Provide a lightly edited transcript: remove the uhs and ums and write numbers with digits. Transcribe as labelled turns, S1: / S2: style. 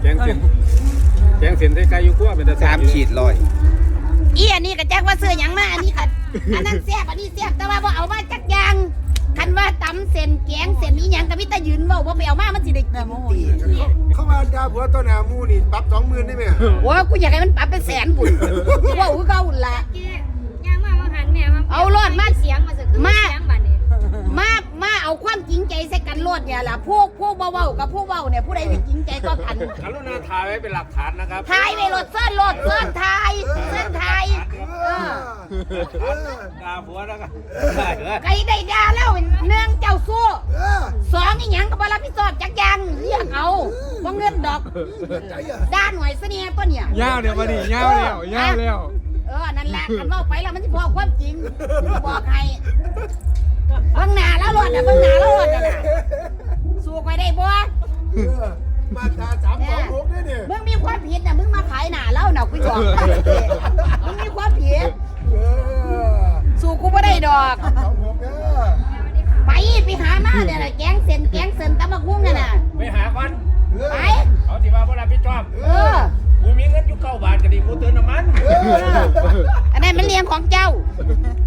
S1: งเส้นไทยไก่อยู่กว่าเป็น
S2: 3 ขีด100
S3: อีอันนี้ก็แจ้งว่าซื้อหยังมาอันนี้ค่ะอันนั้นแซ่บอันนี้แซ่บแต่ว่าบ่เอามาจักอย่างคันว่าตำเส้นแกงเส้นนี้หยังก็มีแต่ยืนเว้าบ่ไปเอามามันสิได้กินตี
S4: เข้ามาด่าผัวต้นหามูนี่ปรับ 20,000ได้ไหม
S3: โอ้กูอยากให้มันปรับเป็นแสนบุญเว้าคือเก่าหั่นล่ะ
S5: ย่างมาหันแม่เอารอดมาเสียงมาสักมาเสียงบัดนี้
S3: มาเอาความจริงใจใส่กันโลดเนี่ยล่ะพวกเว้ากับพวกเว้าเนี่ยผู้ใดสิจริงใจก็กัน
S1: กรุณาถ่ายไว้เป็นหลักฐานนะครับ
S3: ทายไปโลดเส้นทาย
S1: ด่าผัวนะครับ
S3: ไก่ได้ด่าแล้วเนื่องเจ้าสู้สองอีหยังก็บ่รับผิดชอบจักอย่างเรียกเอาบ่เงินดอกด้านหน่วยเสน่ห์ตัวเนี่ย
S2: ยาวเดี๋ยวมาดิยาวแล้ว
S3: นั่นแหละคันเว้าไปแล้วมันสิพอความจริงบอกให้เบิ่งหน้าแล้วรอดน่ะสู้ไปได้บ่
S4: มาตรา326ได้เนี่ย
S3: มึงมีความผิดน่ะมึงมาขายหน้าเล่าน่ะกูบอกมึงมีความผิดสู้กูบ่ได้ดอก
S4: 326เด้อ
S3: ไปหามาเนี่ยแกงเส้นตำบักหุ่งน่ะ
S1: ไปหาก่อน
S3: ไป
S1: เขาสิว่าบ่รับผิดชอบ
S3: กู
S1: มีเงินอยู่9 บาทก็ดีกูเติมน้ำมัน
S3: อันนั้นมันเลี้ยงของเจ้า